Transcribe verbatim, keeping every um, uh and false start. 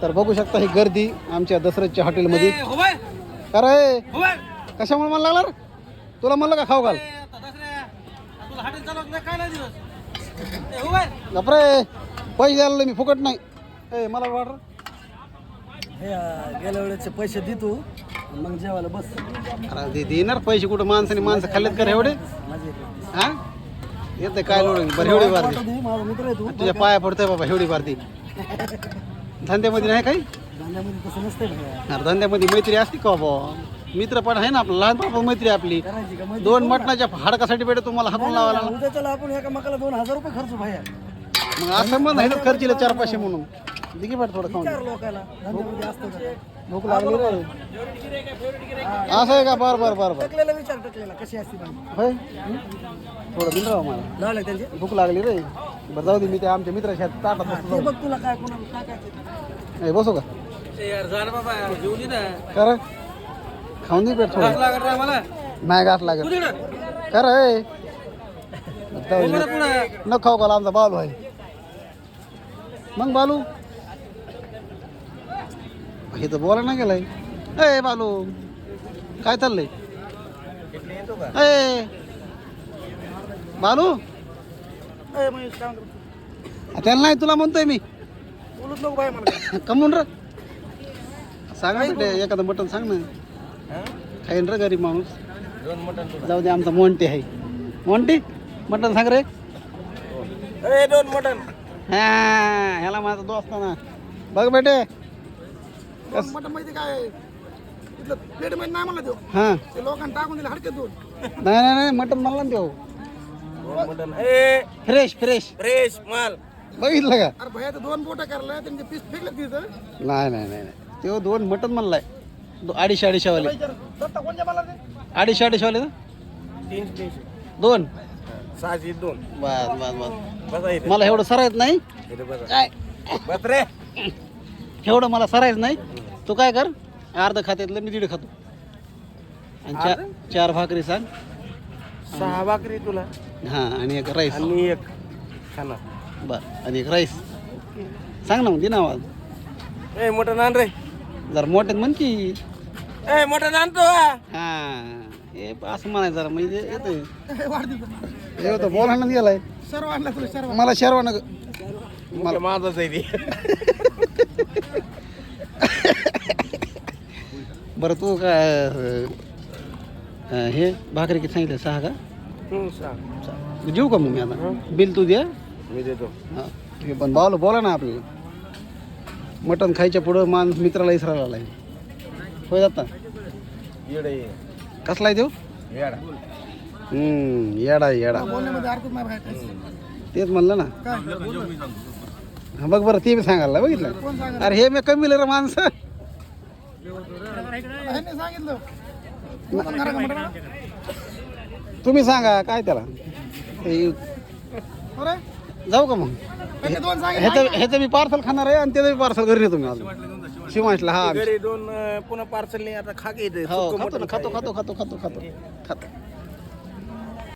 तर बघू शकता ही गर्दी आमच्या दसऱ्याच्या हॉटेलमध्ये. अरे कशामुळे मला लागला रे? तुला म्हणलं का खाऊ घाल? बापरे पैसे द्यायला मी फुकट नाही. ए मला वाट गेल्या वेळेचे पैसे दे तू मग जेवायला बस. अरे देणार पैसे कुठं माणसाने माणसं खाल्लेत का एवढे? हा येते काय लोड बरं एवढी बारती माझा मित्र आहे तू. तुझ्या पाया पडतोय बाबा एवढी बारती. धंद्यामध्ये नाही काही धंद्यामध्ये तसं नसतंय भैया. अरे धंद्यामध्ये मैत्री असते का बाबा? मित्र पण आहे ना आपलं लहानपणापासून मैत्री आपली. करायची का मग? दोन मटणाच्या हाडकासाठी भेटत तुम्हाला हाकून लावायला. उद्याच्याला आपण एका मकाला दोन हजार रुपये खर्च भैया. मग असं मग नाही खर्चीला चार पाचशे म्हणून दिगी पाठ थोडं खाऊन. चार लोकाला धंद्यामध्ये असतं का? भूक लागली रे. असं आहे का? बर बर बर बर टकलेला विचार टकलेला कशी असते भाजी? होय थोडं दिलं राव मला. लावले त्यांचे भूक लागली रे. बरं जाऊ दे मी ते आमच्या मित्राच्या ताटात बसतो. ते बघ तुला काय कोणाला टाकायचं. ए बसू का? यार झालं बाबा जेवली ना. कर खाऊन दे पेट थोडं. लागत नाही मला. नाही गाठ लागत. कर ए न खाऊ का आमचा बालू आहे. मग बालू हे तर बोला ना गेलाय. ए बालू काय चाललंय? ए बालू त्याला नाही तुला म्हणतोय मी. बोलूच नको बाय मला. कमून र सांग ना बेटे एखादं मटण सांग ना. खाईन रे गरीब माणूस. दोन मटन. जाऊ दे आमचा मोंटी आहे. मोंटी मटण सांग रे. ए दोन मटन. हा ह्याला माझा दोस्त ना. बघ बेटे मटन माहिती काय तिथलं प्लेट मध्ये नाही मला देऊ. हा ते लोकांना टाकून दिले हडके दोन. नाही नाही नाही मटण म्हणला ना देऊ. मटन ए फ्रेश फ्रेश फ्रेश माल. बघितलं का? अरे भैया दोन बोटा करला त्यांचे पीस फेकले तिथं. नाही नाही नाही नाही तो दोन मटण म्हणलाय. दो- अडीचशे अडीचशे वाले दत्ता कोणत्या मला ते? अडीचशे अडीचशे वाले ना तीनशे तीनशे दोन. सहाशे दोन. बस बस बस बसा इथे. मला एवढं सरायच नाही. इथे बसा. काय बस रे. एवढं मला सरायच नाही. तू काय कर अर्ध खात्यातलं मी दीड खातो. आणि चार चार भाकरी सांग. सहा भाकरी तुला हां आणि एक राईस. आणि एक खाना. बर आणि एक राईस सांग ना मग दे ना आवाज. ए मटन आण रे. जरा मोठ्यात म्हण की. ए मटन आणतो. हां हे असं म्हणायचं जरा म्हणजे येतं. हे होतं बोलायला गेलाय. सर्व आणला तुला सर्व. मला शेरवा नग मला माझाच आहे ते. बरं तू काय अं, हे भाकरी किती सांगितलं सहा का? सांग. जेऊ का मग मी आता? बिल तू द्या. मी देतो. हां हे पण बावलं बोला ना आपल्याला. मटण खायच्या पुढं माणूस मित्राला इसरायला आलाय. होय जाता येडे कसला आहे देऊ? येडा. हम्म येडा येडा बोलण्यामध्ये अर्थ नाही बाहेर. तेच म्हणलं ना. हा बघ बरं ते बी सांगायला बघितलं. अरे हे मी कमी रे माणसं. सांगितलं तुम्ही सांगा काय त्याला ते जाऊ का मग? ह्याचं ह्याचं मी पार्सल खाणार आहे आणि त्याचं मी पार्सल घरी नेतो मी अजून शिवांशला. हा घरी दोन पुन्हा पार्सल नाही आता खा की इथे. हो खातो ना खातो खातो खातो खातो खातो खातो